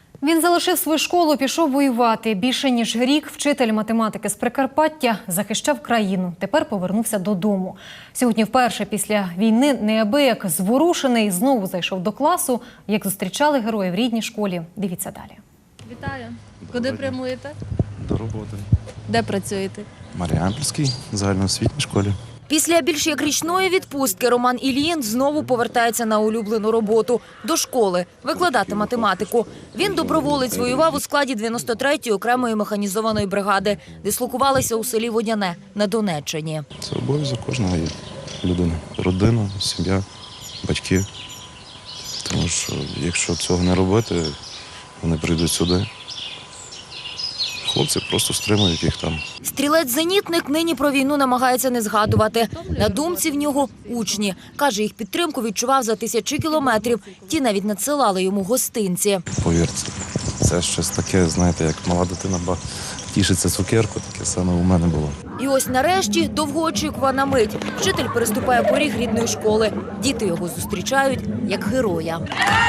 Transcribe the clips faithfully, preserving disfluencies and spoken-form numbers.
Він залишив свою школу, пішов воювати. Більше ніж рік вчитель математики з Прикарпаття захищав країну. Тепер повернувся додому. Сьогодні вперше після війни неабияк зворушений знову зайшов до класу. Як зустрічали героїв в рідній школі. Дивіться далі. Вітаю. Куди прямуєте? До роботи. Де працюєте? В Маріампольській загальноосвітній школі. Після більш як річної відпустки Роман Ільїн знову повертається на улюблену роботу – до школи, викладати математику. Він доброволець воював у складі дев'яносто третьої окремої механізованої бригади, дислокувалися у селі Водяне на Донеччині. Це обов'язок кожного людини. Родина, сім'я, батьки. Тому що якщо цього не робити, вони прийдуть сюди. Хлопці просто стримують їх там. Стрілець-зенітник нині про війну намагається не згадувати. На думці в нього учні. Каже, їх підтримку відчував за тисячі кілометрів. Ті навіть надсилали йому гостинці. Повірте, це щось таке, знаєте, як мала дитина тішиться цукерку, таке саме у мене було. І ось нарешті довгоочікувана мить. Вчитель переступає поріг рідної школи. Діти його зустрічають як героя.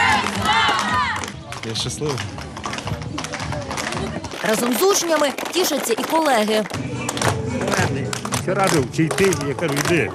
Я щасливий. Разом з учнями тішаться і колеги. Ще радив, чи йти, я кажу, йди.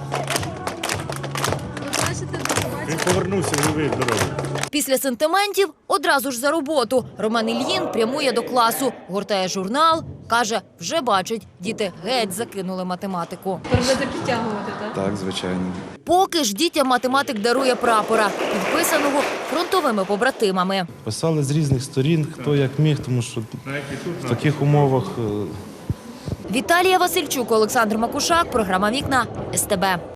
Він повернувся живий в дорогу. Після сентиментів одразу ж за роботу. Роман Ільїн прямує до класу, гортає журнал, каже, вже бачить, діти геть закинули математику. Будете підтягувати, так? Так, звичайно. Поки ж дітям математик дарує прапора, підписаного фронтовими побратимами. Писали з різних сторін, хто як міг, тому що в таких умовах… Віталія Васильчук, Олександр Макушак, програма «Вікна», ес те бе.